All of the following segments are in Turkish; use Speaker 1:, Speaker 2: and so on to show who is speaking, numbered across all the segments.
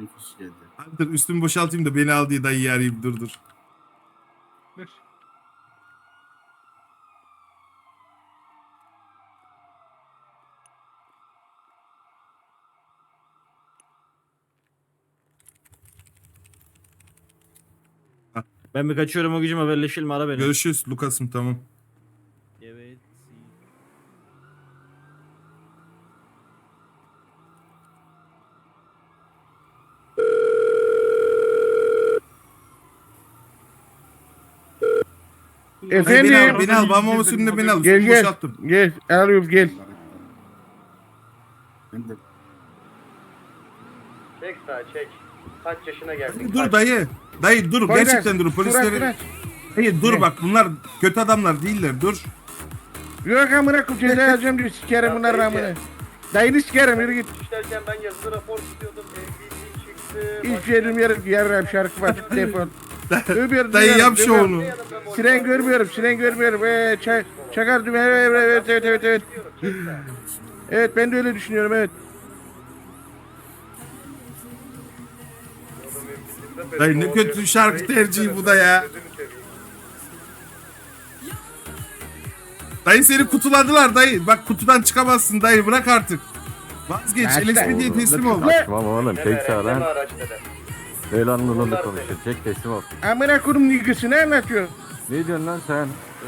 Speaker 1: kişi geldi.
Speaker 2: Hadi dur üstümü boşaltayım da beni al diye dayıyı arayayım dur.
Speaker 3: Dur.
Speaker 4: Ben bir kaçıyorum, o gücüm haberleşelim, ara beni.
Speaker 2: Görüşürüz Lucas'ım, tamam.
Speaker 4: Evet.
Speaker 3: Efendim.
Speaker 2: Beni al. Babamın üstünde beni al.
Speaker 3: Gel
Speaker 2: Üstümü
Speaker 3: gel.
Speaker 2: boşalttım.
Speaker 3: Gel. Arıyorum gel.
Speaker 1: Ben de
Speaker 5: Çek sağa çek. Kaç yaşına geldin?
Speaker 2: Dur dayı. Dayı dur.
Speaker 3: Poyraz,
Speaker 2: Gerçekten dur. Polisleri...
Speaker 3: Bırak.
Speaker 2: Dayı dur
Speaker 3: Ne?
Speaker 2: bak bunlar kötü adamlar değiller. Dur.
Speaker 3: Yok amına koyayım ceza yazacağım diyor sikerim bunların amına. Dayını sikerim yürü git.
Speaker 5: İşlerken ben yazılı rapor tutuyordum. MVP çıktı.
Speaker 3: Hiç şey bilmiyorum ki yarrağım şarkı var telefon. Öbür
Speaker 2: Dayı yap şu
Speaker 3: duyuyorum.
Speaker 2: onu.
Speaker 3: Siren görmüyorum. Çakar düğme evet. Evet ben de öyle düşünüyorum evet.
Speaker 2: Dayı ne kötü şarkı tercihi bu da ya. Dayı seni kutuladılar dayı. Bak kutudan çıkamazsın dayı, bırak artık. Vazgeç.
Speaker 3: Başla.
Speaker 2: LSPD'ye teslim ol.
Speaker 6: Tamam oğlum tek sağ lan. El anlamında konuşuyor. Çek teslim ol.
Speaker 3: Amına koyayım nigası ne anlatıyor?
Speaker 6: Ne diyorsun lan sen?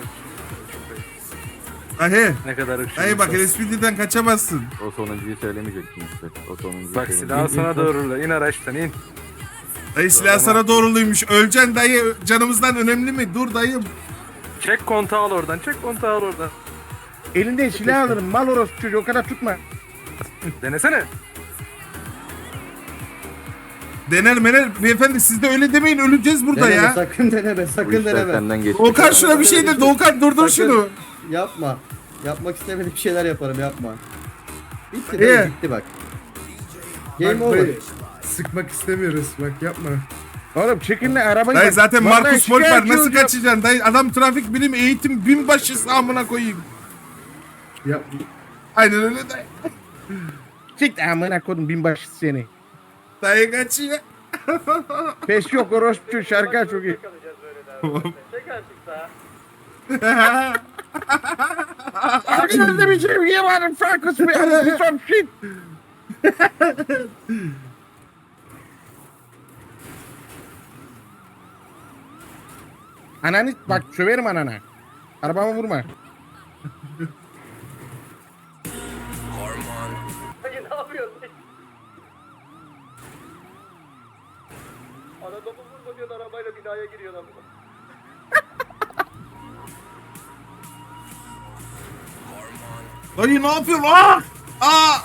Speaker 2: Dayı.
Speaker 7: Ne kadar ışık.
Speaker 2: Dayı bak LSPD'den kaçamazsın.
Speaker 6: O sonuncuyu söylemeyecektin işte. O sonuncuyu
Speaker 7: Bak silahı sana doğrula. İn araçtan in.
Speaker 2: Dayı silah sana doğruluymuş. Öleceksin dayı. Canımızdan önemli mi? Dur dayım.
Speaker 7: Çek kontağı al oradan. Çek kontağı al oradan.
Speaker 3: Elinden silah alırım mal orospu çocuğu o kadar tutma.
Speaker 7: Denesene.
Speaker 2: Dener mener. Beyefendi siz de öyle demeyin. Öleceğiz burada
Speaker 1: deneme,
Speaker 2: ya.
Speaker 1: sakın deneme
Speaker 6: Bu
Speaker 1: sakın
Speaker 6: işler
Speaker 1: deneme.
Speaker 6: senden geçti.
Speaker 2: Doğukan şuna bir şey de. Doğukan durdur
Speaker 1: Sakın.
Speaker 2: şunu.
Speaker 1: Yapma. Yapmak istemediğim şeyler yaparım yapma. Bitti
Speaker 2: İyi.
Speaker 1: dayı, bitti bak. Game over.
Speaker 8: Sıkmak istemiyoruz bak yapma.
Speaker 3: Oğlum çekin lan arabayı.
Speaker 2: Dayı
Speaker 3: bak.
Speaker 2: zaten
Speaker 3: Vallahi
Speaker 2: Markus Molper
Speaker 3: şikayetçi
Speaker 2: nasıl
Speaker 3: olacağım.
Speaker 2: kaçacaksın dayı? Adam trafik bilim eğitim binbaşısı amına koyayım.
Speaker 8: Yap.
Speaker 2: Aynen öyle dayı.
Speaker 3: Sik amına koydum binbaşı seni.
Speaker 2: Dayı kaçıyor.
Speaker 3: Pes yok orospu çocuğu şarkı çok iyi.
Speaker 5: Kalacağız böyle daha. Çek artık sağa.
Speaker 3: Arkadaşlar bir şey yemedim Frankus bir some shit. Ananı bak söverim anana. Arabama vurma.
Speaker 5: Dayı ne yapıyorsun? Adamı vurma diyorsun arabayla binaya giriyorlar.
Speaker 2: Dayı ne yapıyorsun? Aa! Aa!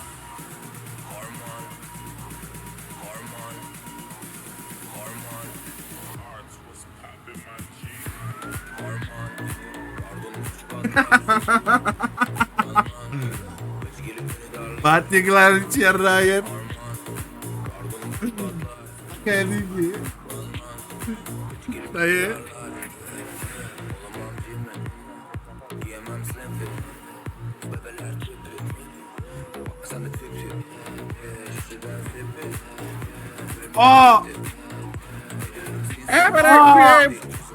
Speaker 2: Batikler içeriye. Geldi. Dayı. Aa!
Speaker 3: Bırak koyayım.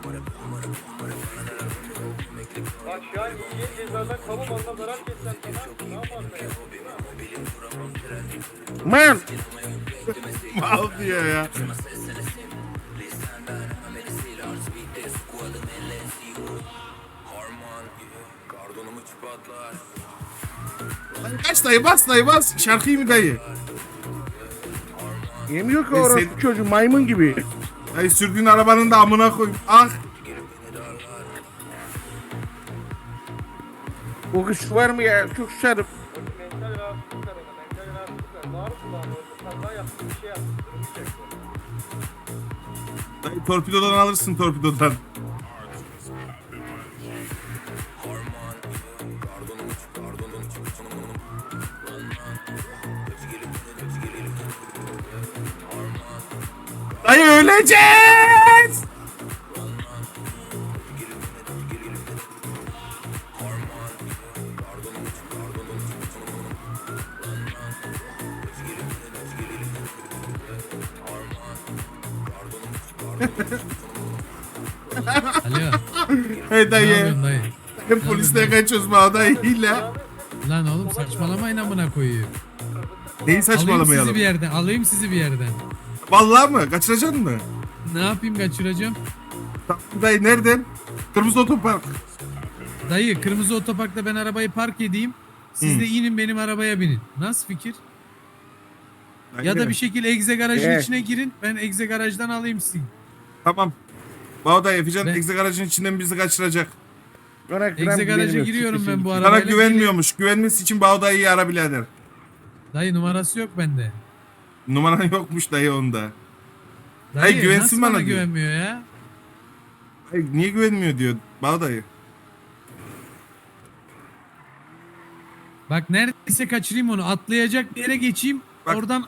Speaker 5: Bak şu an yiyeceğin cezadan kamu malına zarar kessen sana ne yaparsın ya?
Speaker 3: Man.
Speaker 2: Mal diyor ya. Dayı kaç dayı bas dayı bas. Şarkıyı mı dayı?
Speaker 3: Yemiyor ki orospu çocuğu maymun gibi.
Speaker 2: Dayı sürdüğün arabanın da amına koyayım. Ah!
Speaker 3: O kız var mı ya? Çok sarıp.
Speaker 5: Mental rahatsızlık var ona. Mental rahatsızlık var. Bağır kulağına orada. Kaza yaptın bir şey yaptın. Durmayacak bu.
Speaker 2: Dayı torpidodan alırsın torpidodan. Dayı öleceğiz.
Speaker 9: Alo.
Speaker 2: Hey
Speaker 9: Ne
Speaker 2: dayı.
Speaker 9: yapıyorsun dayı?
Speaker 2: Hep polisten kaçıyoruz bu dayıyla.
Speaker 9: Lan oğlum saçmalamayın amına koyuyor.
Speaker 2: Neyi
Speaker 9: Alayım sizi
Speaker 2: saçmalamayalım?
Speaker 9: bir yerden. Alayım sizi bir yerden.
Speaker 2: Vallahi mı? Kaçıracaksın mı?
Speaker 9: Ne yapayım kaçıracağım?
Speaker 2: Tamam dayı nereden? Kırmızı otopark.
Speaker 9: Dayı kırmızı otoparkta ben arabayı park edeyim. Siz de inin benim arabaya binin. Nasıl fikir? Ya da bir şekilde egze garajın
Speaker 3: Evet.
Speaker 9: içine girin. Ben egze garajdan alayım sizi.
Speaker 2: Tamam. Bağday Efecan
Speaker 9: Ben-
Speaker 2: egze garajın içinden bizi kaçıracak.
Speaker 3: Ona gram
Speaker 9: Egze garaja
Speaker 3: güvenmiyorum.
Speaker 9: giriyorum
Speaker 3: Siktir
Speaker 9: ben bu
Speaker 3: siktir.
Speaker 2: Sana
Speaker 9: arabayla.
Speaker 2: güvenmiyormuş. Güvenmesi için Bağday'ı ara birader.
Speaker 9: Dayı numarası yok bende.
Speaker 2: Numaran yokmuş dayı onda.
Speaker 9: Dayı
Speaker 2: güvensin
Speaker 9: nasıl
Speaker 2: bana
Speaker 9: bana
Speaker 2: diyor.
Speaker 9: güvenmiyor ya?
Speaker 2: Ay, niye güvenmiyor diyor Bağday'ı.
Speaker 9: Bak neredeyse kaçırayım onu. Atlayacak bir yere geçeyim.
Speaker 2: Bak.
Speaker 9: Oradan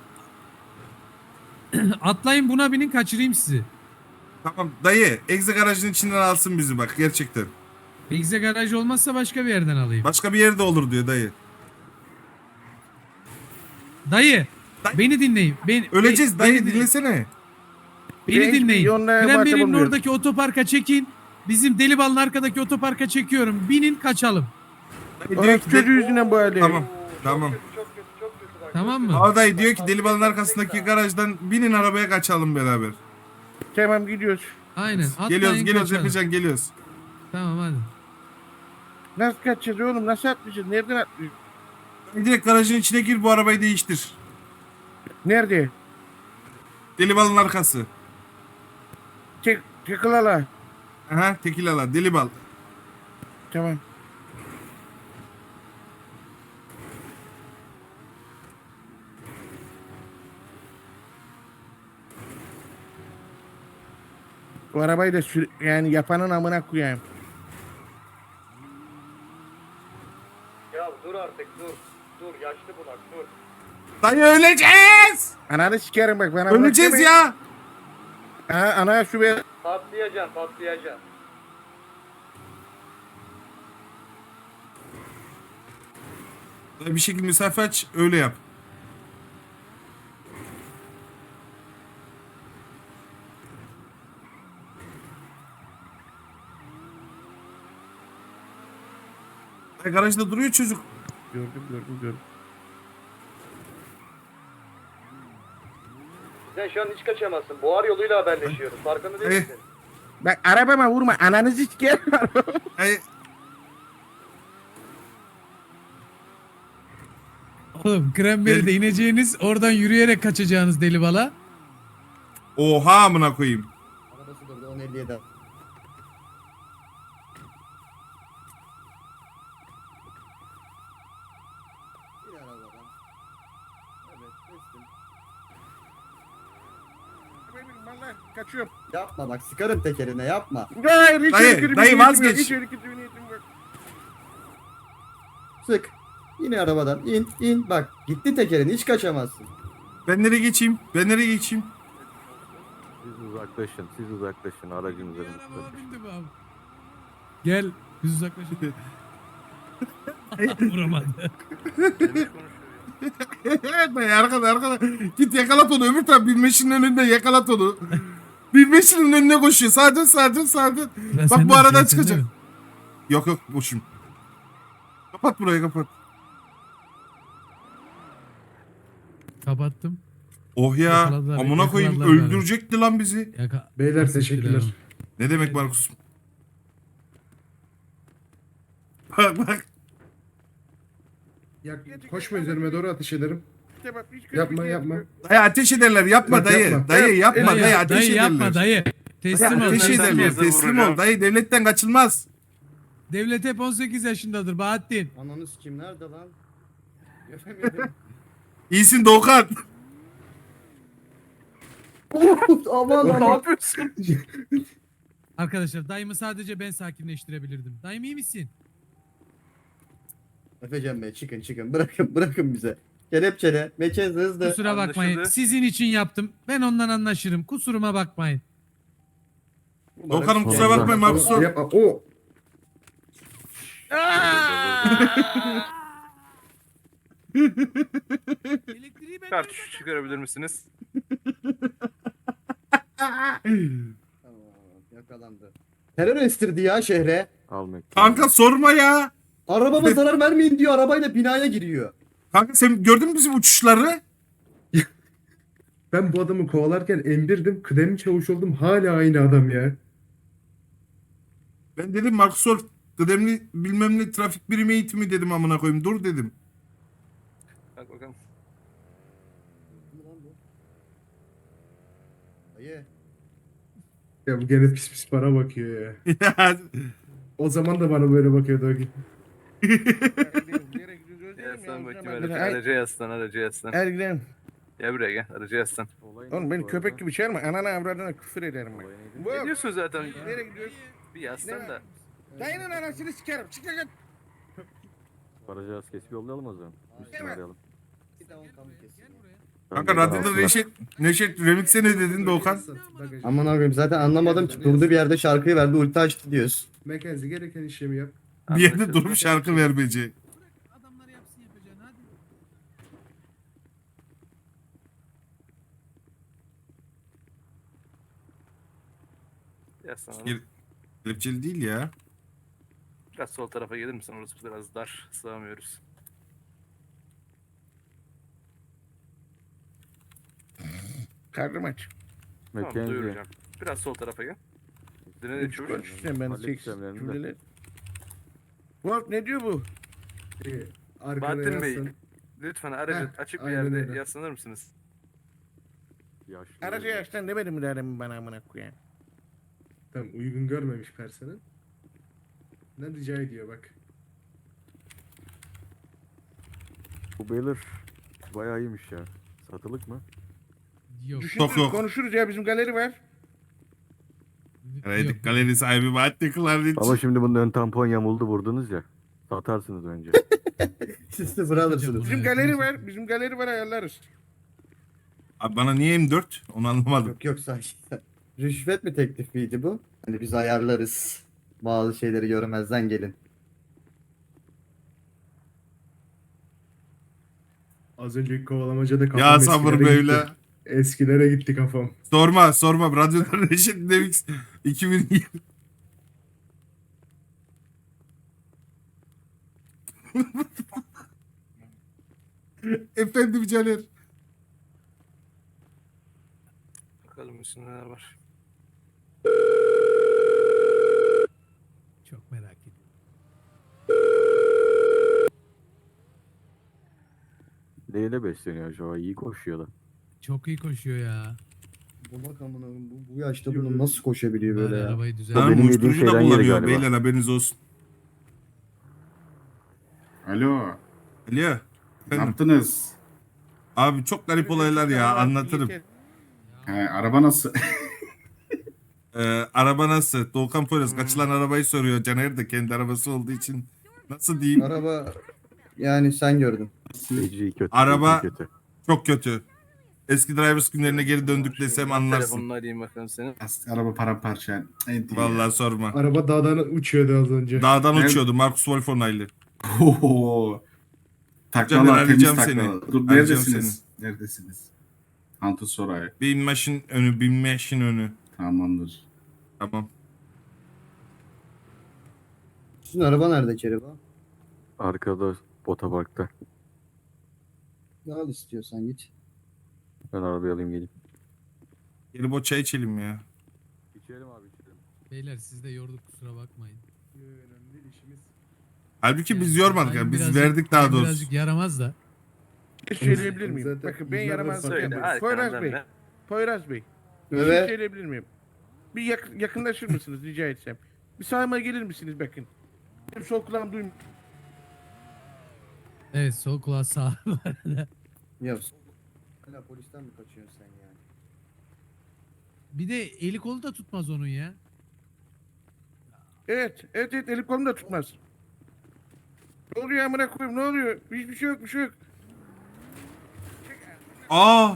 Speaker 9: atlayın buna binin kaçırayım sizi.
Speaker 2: Tamam dayı egze garajın içinden alsın bizi bak gerçekten.
Speaker 9: Egze garaj olmazsa başka bir yerden alayım.
Speaker 2: Başka bir yerde olur diyor dayı.
Speaker 9: Dayı,
Speaker 2: Dayı.
Speaker 9: beni dinleyin.
Speaker 2: Öleceğiz dayı
Speaker 9: beni,
Speaker 2: dinlesene.
Speaker 9: beni
Speaker 3: Ben hiçbir
Speaker 9: dinleyin.
Speaker 3: yoluna muhatap
Speaker 9: Kranberry'nin
Speaker 3: olmuyorum.
Speaker 9: oradaki otoparka çekin. Bizim Delibal'ın arkadaki otoparka çekiyorum. Binin kaçalım.
Speaker 2: Dayı diyor
Speaker 3: Orası
Speaker 2: ki,
Speaker 3: çocuğu yüzünden bu hali.
Speaker 2: Tamam tamam.
Speaker 5: Çok kötü çok kötü bak.
Speaker 9: Tamam mı?
Speaker 2: Bağday diyor ki Delibal'ın arkasındaki garajdan binin arabaya kaçalım beraber.
Speaker 3: Tamam gidiyoruz.
Speaker 9: Aynen. Atlayın
Speaker 2: Geliyoruz
Speaker 9: kaçalım.
Speaker 2: Efecan geliyoruz.
Speaker 9: Tamam hadi.
Speaker 3: Nasıl kaçacağız oğlum? Nasıl atlayacağız? Nereden atlayacağız?
Speaker 2: Direkt garajın içine gir bu arabayı değiştir.
Speaker 3: Nerede?
Speaker 2: Delibal'ın arkası.
Speaker 3: Tekılala.
Speaker 2: Aha tekilala Delibal.
Speaker 3: Tamam. Bu arabayı da yani yapanın amına koyayım.
Speaker 5: Ya dur artık dur. Dur yaşlı bunak dur.
Speaker 2: Dayı öleceğiz.
Speaker 3: Ananı sikerim bak bana.
Speaker 2: Öleceğiz
Speaker 3: bak
Speaker 2: ya.
Speaker 3: deme. Aha anaya su ver.
Speaker 5: Patlayacaksın patlayacaksın.
Speaker 2: Dayı bir şekilde mesafe aç öyle yap. Dayı garajda duruyor çocuk.
Speaker 3: Gördüm.
Speaker 5: Sen şu an hiç kaçamazsın. Buhar yoluyla haberleşiyoruz. Farkında değil
Speaker 2: Eh.
Speaker 5: misin?
Speaker 3: Bak arabama vurma. Ananızı sikerim.
Speaker 2: Dayı
Speaker 9: Oğlum Cranberry'de ineceğiniz oradan yürüyerek kaçacağınız Delibala.
Speaker 2: oha amına koyayım.
Speaker 1: Arabası durdu 10.57. Bir arabadan. Evet kestim.
Speaker 3: Vallahi kaçıyorum.
Speaker 1: Yapma bak sıkarım tekerine yapma.
Speaker 3: Hayır hiç
Speaker 2: Dayı,
Speaker 3: öyle kötü bir
Speaker 2: dayı
Speaker 3: niyetim
Speaker 2: vazgeç.
Speaker 3: yok, hiç öyle kötü bir niyetim yok.
Speaker 1: Sık. Yine arabadan in bak gitti tekerin hiç kaçamazsın.
Speaker 2: Ben nereye geçeyim? Ben nereye geçeyim?
Speaker 6: Siz uzaklaşın aracın üzerinde.
Speaker 9: Arabama bindi bu abi. Gel biz uzaklaşalım. Vuramadı.
Speaker 2: Dayı arkada. Git yakalat onu öbür taraf binmeşinin önünde yakalat onu. Binmeşinin önüne koşuyor. Sağa dön. Bak bu aradan çıkacak. Yok boşum. Kapat burayı kapat.
Speaker 9: Kapattım.
Speaker 2: Oh ya
Speaker 9: Yakaladılar,
Speaker 2: amına koyayım
Speaker 9: yakaladılar beni.
Speaker 2: öldürecekti lan bizi.
Speaker 8: Beyler teşekkürler.
Speaker 2: Ne demek Markus? Bak.
Speaker 8: Koşma üzerime doğru ateş ederim.
Speaker 3: İşte bak, hiç kötü bir
Speaker 8: Yapma
Speaker 3: niyetim
Speaker 8: yapma.
Speaker 3: yok.
Speaker 2: Dayı ateş ederler yapma
Speaker 8: Bak,
Speaker 2: dayı.
Speaker 8: yapma.
Speaker 2: Dayı yapma dayı ateş
Speaker 9: dayı
Speaker 2: ederler.
Speaker 9: yapma dayı. Teslim ol.
Speaker 2: Ateş
Speaker 7: Sen
Speaker 2: ederler
Speaker 7: bizi
Speaker 2: teslim ol
Speaker 7: vuracağım.
Speaker 2: dayı devletten kaçılmaz.
Speaker 9: Devlet hep 18 yaşındadır Bahattin.
Speaker 1: Ananı sikim nerede lan? Göremedim.
Speaker 2: İyisin Doğukan.
Speaker 1: Aman
Speaker 7: Ne
Speaker 1: aman.
Speaker 7: yapıyorsun?
Speaker 9: Arkadaşlar dayımı sadece ben sakinleştirebilirdim. Dayım iyi misin?
Speaker 1: Efecan Bey çıkın bırakın bize. Kelepçele mekan hızlı.
Speaker 9: Kusura bakmayın.
Speaker 7: Anlaşıldı.
Speaker 9: Sizin için yaptım. Ben ondan anlaşırım. Kusuruma bakmayın.
Speaker 2: Doğukan'ım kusura bakmayın Markus.
Speaker 8: Yapma. O.
Speaker 9: Elektriği ben
Speaker 7: Kartuş çıkarabilir misiniz?
Speaker 1: yakalandı. Terör estirdi ya şehre.
Speaker 6: Almak.
Speaker 2: Kanka sorma ya.
Speaker 1: Arabama zarar vermeyin diyor, arabayla binaya giriyor.
Speaker 2: Kanka sen gördün mü bizim uçuşları?
Speaker 8: Ben bu adamı kovalarken M1'dim. Kıdemli çavuş oldum. Hala aynı adam ya.
Speaker 2: Ben dedim Marcus Wolf kıdemli bilmem ne trafik birimi eğitimi dedim amına koyayım. Dur dedim.
Speaker 7: Bak bakalım.
Speaker 1: Dayı.
Speaker 8: Ya bu gene pis pis bana bakıyor ya.
Speaker 2: Ya,
Speaker 8: O zaman da bana böyle bakıyordu o gün.
Speaker 3: Nereye gidiyoruz?
Speaker 7: Yaslan bakayım
Speaker 3: Ben-
Speaker 7: araca. Araca yaslan, araca yaslan.
Speaker 3: Hadi gidelim.
Speaker 7: Gel buraya gel, araca yaslan.
Speaker 3: Oğlum beni köpek gibi çağırma. Anana avradına küfür ederim ben.
Speaker 7: Ne diyorsun zaten?
Speaker 3: Nereye gidiyoruz?
Speaker 7: Bir yaslan da.
Speaker 3: Dayının anasını sikerim. Çık lan.
Speaker 6: Aracı az kesip yollayalım o zaman. Üstüne arayalım.
Speaker 2: kanka radyoda Neşet Remix'e ne dedin Doğukan?
Speaker 1: Aman abim zaten anlamadım ki, durduğu bir yerde şarkıyı verdi, ulti açtı diyorsun.
Speaker 8: Mackenzie gereken işlemi yap.
Speaker 2: Bir yerde durup şarkı vermeyecek.
Speaker 9: Adamlar yapsın yapacağını hadi.
Speaker 7: Yaslan oğlum.
Speaker 2: Gel- Kelepçeli değil ya.
Speaker 7: Biraz sol tarafa gelir misin? Orası biraz dar. Sığamıyoruz.
Speaker 3: Karnım aç.
Speaker 7: Tamam
Speaker 6: Mackenzie.
Speaker 7: duyuracağım. Biraz sol tarafa gel. Dinle çavuş.
Speaker 3: Konuşursan ben
Speaker 6: Hallet
Speaker 3: seks
Speaker 6: işlemlerini de.
Speaker 3: cümleler. Wolf ne diyor bu?
Speaker 8: Arkana
Speaker 7: Bahattin Bey,
Speaker 8: yaslan.
Speaker 7: lütfen aracı
Speaker 8: Heh,
Speaker 7: açık bir
Speaker 8: aynen
Speaker 7: yerde
Speaker 8: öyle.
Speaker 7: yaslanır mısınız?
Speaker 6: Yaşlı.
Speaker 3: Aracı yaştan demedim mi derim bana amına koyayım.
Speaker 8: Tamam, uygun görmemiş personel. Ne rica ediyor bak.
Speaker 6: Bu Baylor bayağı iyiymiş ya. Satılık mı?
Speaker 9: Yok.
Speaker 3: Düşünürüz,
Speaker 2: yok.
Speaker 3: konuşuruz ya bizim galeri var.
Speaker 2: Evet, galeri sahibi Bahattin Kılarniç.
Speaker 6: Ama şimdi bunun ön tampon yamuldu vurdunuz ya. Satarsınız önce.
Speaker 1: Siz sıfır alırsınız.
Speaker 3: Bizim galeri var. Bizim galeri var ayarlarız.
Speaker 2: Abi bana niye M4? Onu anlamadım.
Speaker 1: Yok yok, sakin. Rüşvet mi teklifiydi bu? Hani biz ayarlarız. Bazı şeyleri görmezden gelin.
Speaker 8: Az önceki kovalamacada kafam
Speaker 2: Ya sabır
Speaker 8: eskilere
Speaker 2: böyle.
Speaker 8: gitti. Eskilere gitti kafam.
Speaker 2: Sorma. Radyoda Neşet Remix 2020. Efendim Caner.
Speaker 7: Bakalım üstünde neler var.
Speaker 9: Çok merak ediyorum.
Speaker 6: Neyle besleniyor acaba? İyi koşuyor da.
Speaker 9: Çok iyi koşuyor ya.
Speaker 1: Bu bak amına koyayım, bu yaşta bunu nasıl koşabiliyor böyle
Speaker 9: Bari
Speaker 1: ya?
Speaker 9: arabayı
Speaker 6: Benim
Speaker 9: düzenle.
Speaker 2: Tamam,
Speaker 6: yediğim
Speaker 2: uyuşturucu da
Speaker 6: şeyden yeri
Speaker 2: kullanıyor
Speaker 6: galiba.
Speaker 2: beyler, haberiniz olsun.
Speaker 10: Alo,
Speaker 2: Alo.
Speaker 10: ne
Speaker 2: Efendim.
Speaker 10: yaptınız?
Speaker 2: Abi çok garip olaylar ya, anlatırım.
Speaker 10: He, araba nasıl?
Speaker 2: Araba nasıl? Doğukan Poyraz kaçılan arabayı soruyor. Caner de kendi arabası olduğu için. Nasıl diyeyim?
Speaker 1: Araba yani sen gördün.
Speaker 6: Feci kötü.
Speaker 2: Araba-
Speaker 6: feci kötü.
Speaker 2: Çok kötü. Eski Drivers günlerine geri döndük desem anlarsın.
Speaker 7: Telefonunu arayayım bakalım senin.
Speaker 10: Araba paramparça. En iyi.
Speaker 2: Vallahi sorma.
Speaker 8: Araba dağdan uçuyordu az önce.
Speaker 2: Dağdan
Speaker 10: Evet.
Speaker 2: uçuyordu Marcus Wolf onaylı.
Speaker 10: Oho.
Speaker 2: Caner,
Speaker 10: Taklalar, temiz
Speaker 2: arayacağım seni.
Speaker 10: taklalar. Dur,
Speaker 2: Arayacağım
Speaker 10: neredesiniz? Neredesiniz? Antus Soray.
Speaker 2: Bin maşın önü.
Speaker 10: Tamamdır.
Speaker 2: Tamam.
Speaker 1: Sizin araba nerede Kereba?
Speaker 6: Arkada otoparkta.
Speaker 1: Ne al istiyorsan git.
Speaker 6: Ben arabayı alayım geleyim.
Speaker 2: Gelip o çay içelim ya.
Speaker 6: İçelim abi içelim.
Speaker 9: Beyler siz de yorduk kusura bakmayın.
Speaker 8: Önemli değil, işimiz.
Speaker 2: Halbuki biz
Speaker 9: Yani
Speaker 2: yormadık
Speaker 9: ben
Speaker 2: ya. Biz
Speaker 9: birazcık-
Speaker 2: verdik daha
Speaker 9: ben
Speaker 2: doğrusu.
Speaker 9: Birazcık yaramaz da.
Speaker 3: Bir şey söyleyebilir miyim?
Speaker 8: Zaten
Speaker 3: Bakın ben
Speaker 8: yüzlerden
Speaker 3: yaramazlık
Speaker 8: sonra-
Speaker 7: Söyle
Speaker 3: yapıyorum. Poyraz
Speaker 7: arkadan
Speaker 3: Bey.
Speaker 7: ne?
Speaker 3: Poyraz Bey. Bir şey
Speaker 1: Evet.
Speaker 3: söyleyebilir miyim? Bir yakınlaşır mısınız rica etsem? Bir sağıma gelir misiniz bakın? Benim sol kulağım duymuyor.
Speaker 9: Evet sol kulağı sağ.
Speaker 1: Ya hala polisten mi kaçıyorsun sen yani?
Speaker 9: Bir de eli kolu da tutmaz onun ya.
Speaker 3: Evet elim kolum da tutmaz. Ne oluyor amına koyayım ne oluyor? Hiçbir şey yok bir şey yok.
Speaker 2: Aa!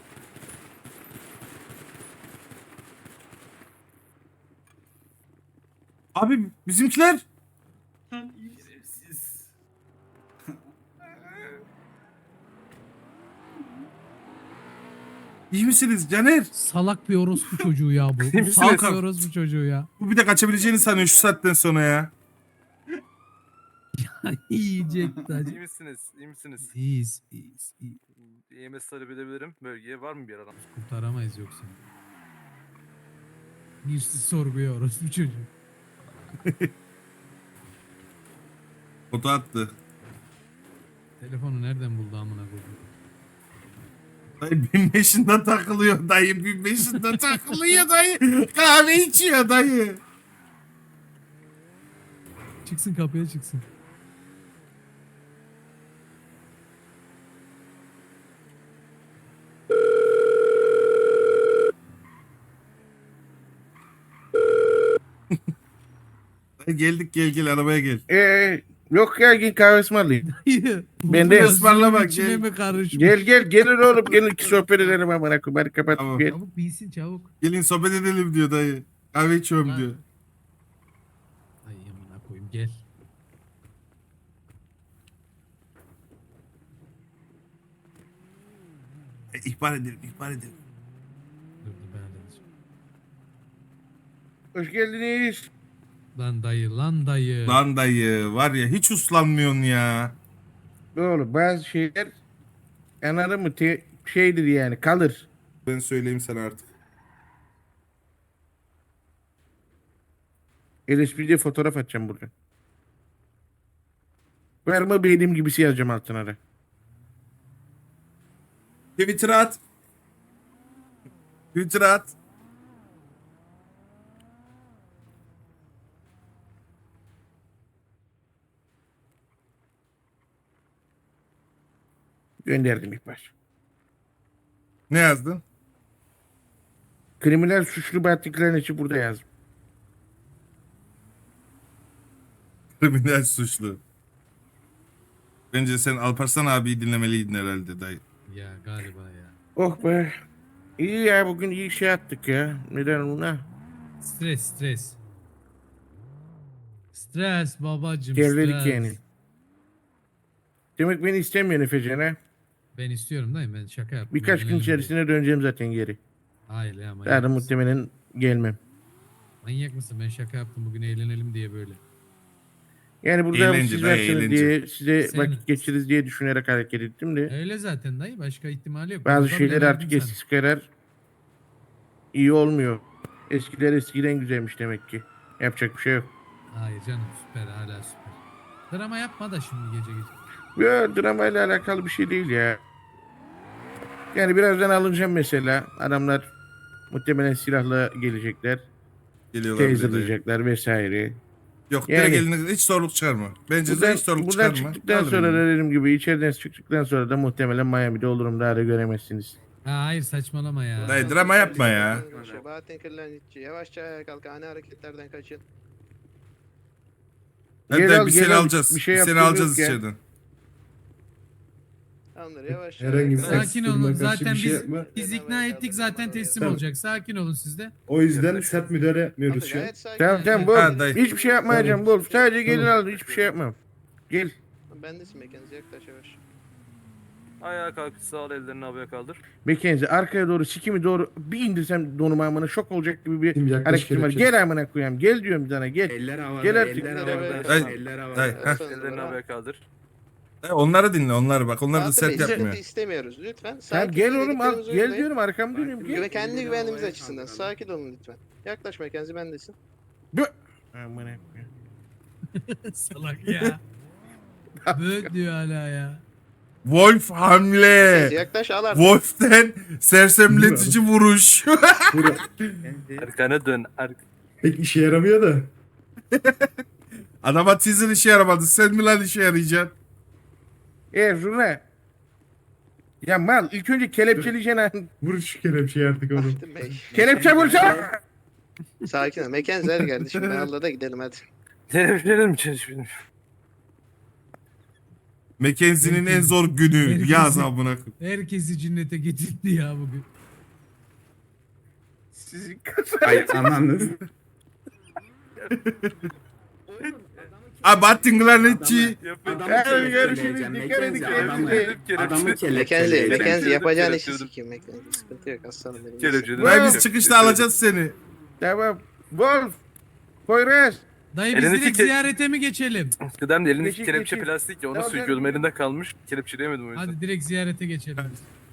Speaker 2: Abi bizimkiler. İyi misiniz Caner?
Speaker 9: Salak bir orospu çocuğu ya bu.
Speaker 2: İyi
Speaker 9: Bu
Speaker 2: misiniz?
Speaker 9: salak bir orospu çocuğu ya.
Speaker 2: Bu bir de kaçabileceğini sanıyor şu saatten sonra ya.
Speaker 9: Yiyecek tacı.
Speaker 7: İyi misiniz? İyi misiniz?
Speaker 9: İyiyiz.
Speaker 7: EMS talep edebilirim. Bölgeye var mı bir adam?
Speaker 9: Kurtaramayız yoksa. Girsiz sorguya orospu çocuğu.
Speaker 2: Foto attı.
Speaker 9: Telefonu nereden buldu amına koyayım?
Speaker 2: Dayı 1500'de takılıyor dayı. 1500'de takılıyor dayı. Kahve içiyor dayı.
Speaker 9: Çıksın kapıya çıksın.
Speaker 2: Dayı geldik gel arabaya gel.
Speaker 3: Yok ya gel kahvesi mi alayım? Ben de
Speaker 9: Bu
Speaker 2: ısmarla bak,
Speaker 9: içine
Speaker 2: gel.
Speaker 9: mi karışmış?
Speaker 3: Gelin oğlum gelin ki sohbet edelim amına koyayım. Hadi kapat
Speaker 2: Tamam.
Speaker 3: gel.
Speaker 9: Çabuk bilsin çabuk.
Speaker 2: Gelin sohbet edelim diyor dayı. Kahve içiyorum
Speaker 9: Lan.
Speaker 2: diyor.
Speaker 9: Ay amına koyayım gel.
Speaker 2: İhbar edelim.
Speaker 9: Dur ben halledeceğim.
Speaker 3: Hoş geldiniz.
Speaker 9: Lan dayı.
Speaker 2: Lan dayı var ya hiç uslanmıyorsun ya.
Speaker 3: Oğlum bazı şeyler anladın mı şeydir yani kalır.
Speaker 2: Ben söyleyeyim sana artık.
Speaker 3: LSP'de fotoğraf atacağım burada. Verme benim gibisi yazacağım altına da.
Speaker 2: Twitter'a at. Twitter'a at.
Speaker 3: Gönderdim ihbar.
Speaker 2: Ne yazdın?
Speaker 3: Kriminal suçlu bahatliklerin içi burada yazdım.
Speaker 2: Kriminal suçlu. Bence sen Alparslan abiyi dinlemeliydin herhalde dayı.
Speaker 9: Ya galiba ya.
Speaker 3: Oh be. İyi ya bugün iyi şey attık ya. Neden ona?
Speaker 9: Stres. Stres babacım
Speaker 3: Geriledik
Speaker 9: stres.
Speaker 3: yani. Demek beni istemiyorsun Efecan ha?
Speaker 9: Ben istiyorum dayı ben şaka yaptım.
Speaker 3: Birkaç gün
Speaker 9: Eğlenelim diye.
Speaker 3: içerisinde döneceğim zaten geri.
Speaker 9: Hayır ya manyak
Speaker 3: Daha da
Speaker 9: mısın?
Speaker 3: muhtemelen gelmem.
Speaker 9: Manyak mısın? Ben şaka yaptım bugün eğlenelim diye böyle.
Speaker 3: Yani burada
Speaker 2: Eğlence
Speaker 3: siz
Speaker 2: dayı,
Speaker 3: varsınız
Speaker 2: eğlence.
Speaker 3: diye size
Speaker 9: Sen-
Speaker 3: vakit geçiririz diye düşünerek hareket ettim de.
Speaker 9: Öyle zaten dayı başka ihtimali yok.
Speaker 3: Bazı
Speaker 9: Oradan
Speaker 3: şeyler
Speaker 9: denerdim
Speaker 3: artık
Speaker 9: sana.
Speaker 3: eskisi kadar iyi olmuyor. Eskiler eskiden güzelmiş demek ki. Yapacak bir şey yok.
Speaker 9: Hayır canım süper hala süper. Drama yapma da şimdi gece.
Speaker 3: Ya dramayla alakalı bir şey değil ya. Yani birazdan alınacağım mesela. Adamlar muhtemelen silahla gelecekler.
Speaker 2: Geliyorlar bir de dayı.
Speaker 3: Taserlayacaklar vesaire.
Speaker 2: Yok
Speaker 3: Yani-
Speaker 2: direkt eline hiç zorluk çıkarma. Bence de
Speaker 3: Buradan,
Speaker 2: hiç zorluk
Speaker 3: buradan
Speaker 2: çıkarma.
Speaker 3: çıktıktan
Speaker 2: Alırım
Speaker 3: sonra
Speaker 2: yani.
Speaker 3: da dediğim gibi içeriden çıktıktan sonra da muhtemelen Miami'de olurum. Daha da göremezsiniz.
Speaker 9: Ha, hayır saçmalama ya.
Speaker 2: Dayı drama yapma ya.
Speaker 5: Bahattin Kırlangıççı yavaşça kalk ani hareketlerden kaçın.
Speaker 2: Hadi
Speaker 3: Gel
Speaker 2: dayı
Speaker 3: al,
Speaker 2: biz
Speaker 3: gel
Speaker 2: seni
Speaker 3: al.
Speaker 2: alacağız.
Speaker 3: Bir şey
Speaker 2: Biz seni
Speaker 3: yaptığımız
Speaker 2: alacağız
Speaker 3: yok ya.
Speaker 2: içeriden.
Speaker 5: Tamamdır yavaşça.
Speaker 8: Herhangi bir
Speaker 5: Sakin
Speaker 9: Sakin
Speaker 8: Kastırma,
Speaker 9: olun
Speaker 8: karşı
Speaker 9: zaten
Speaker 8: bir şey
Speaker 9: biz
Speaker 8: yapma.
Speaker 9: ikna ettik zaten teslim
Speaker 8: Tamam.
Speaker 9: olacak. Sakin olun siz de.
Speaker 8: O yüzden sert müdahale yapmıyoruz şu an.
Speaker 5: Gayet sakin.
Speaker 3: Tamam tamam
Speaker 2: Ha,
Speaker 3: bol.
Speaker 2: dayı.
Speaker 3: Hiçbir şey yapmayacağım bol. Sadece gelin
Speaker 8: Tamam.
Speaker 3: alın. Hiçbir şey yapmam. Gel.
Speaker 5: Bendesin mekanız yaklaş yavaş.
Speaker 7: Ayağa kalk sağ ol ellerini havaya kaldır.
Speaker 3: Bekenzi arkaya doğru sikimi doğru bir indirsem donuma amına şok olacak gibi bir
Speaker 8: Şimdi yaklaş
Speaker 3: hareketim var.
Speaker 8: kelepçe.
Speaker 3: Gel amına koyayım. Gel diyorum sana gel.
Speaker 10: Eller havada,
Speaker 3: Gel artık.
Speaker 10: eller
Speaker 5: havada,
Speaker 2: Dayı, dayı, heh.
Speaker 7: Ellerini havaya kaldır.
Speaker 2: Dayı, onları dinle onları bak. Onlar da
Speaker 5: Bahattin
Speaker 2: sert
Speaker 5: Bey, sıkıntı
Speaker 2: yapmıyor.
Speaker 5: istemiyoruz lütfen.
Speaker 3: Tamam
Speaker 5: Sakin
Speaker 3: gel
Speaker 5: olun,
Speaker 3: oğlum al.
Speaker 5: dediklerimizi
Speaker 3: Gel
Speaker 5: uygulayın.
Speaker 3: diyorum arkamı dönüyorum gel.
Speaker 5: Ve kendi güvenliğimiz açısından sakin olun lütfen. Yaklaş mekanızı bendesin.
Speaker 3: Amına koyayım.
Speaker 9: Salak ya. Böyle diyor hala ya.
Speaker 2: Wolf hamle.
Speaker 5: Yaklaş al artık.
Speaker 2: Wolf'ten sersemletici vuruş.
Speaker 8: Burada
Speaker 7: Arkana dön.
Speaker 8: pek işe yaramıyor da.
Speaker 2: Adama teaser işe yaramadı. Sen mi lan işe yarayacaksın?
Speaker 3: Zurna. Ya mal ilk önce kelepçeleyeceksin.
Speaker 8: Vur şu kelepçeyi artık onu.
Speaker 5: Bahattin Bey.
Speaker 3: Kelepçe vursana.
Speaker 5: Sakin ol. Mekanız her kardeşim. Ben Allah da gidelim hadi.
Speaker 7: Televizyon mi çalışıyorsun?
Speaker 2: Mackenzie'nin en zor günü.
Speaker 9: Herkesin-
Speaker 2: Yaz amına koyayım.
Speaker 9: Herkesi cinnete getirdi ya bugün.
Speaker 3: Sizin
Speaker 10: Ay anladınız.
Speaker 2: Abattin Glanetçi.
Speaker 8: Adamı
Speaker 3: Görüşürüz.
Speaker 8: kelepçeleyeceğim.
Speaker 3: Dikkat edin
Speaker 8: Mackenzie, adamı
Speaker 7: Mackenzie,
Speaker 8: kelepçeleyeceğim.
Speaker 7: Mackenzie yapacağın işi sikeyim Mackenzie. Sıkıntı yok aslanım benim.
Speaker 2: Vay biz çıkışta alacağız seni.
Speaker 3: Tamam. Wolf. Poyraz.
Speaker 9: Dayı biz
Speaker 7: Elindeki
Speaker 9: direkt
Speaker 7: ke-
Speaker 9: ziyarete mi geçelim?
Speaker 7: Kıdem de elindeki
Speaker 3: Geçin,
Speaker 7: kelepçe
Speaker 3: geçin.
Speaker 7: plastik ya onu
Speaker 3: Tamam,
Speaker 7: söküyordum elinde kalmış. Kelepçeleyemedim o yüzden.
Speaker 9: Hadi direkt ziyarete geçelim.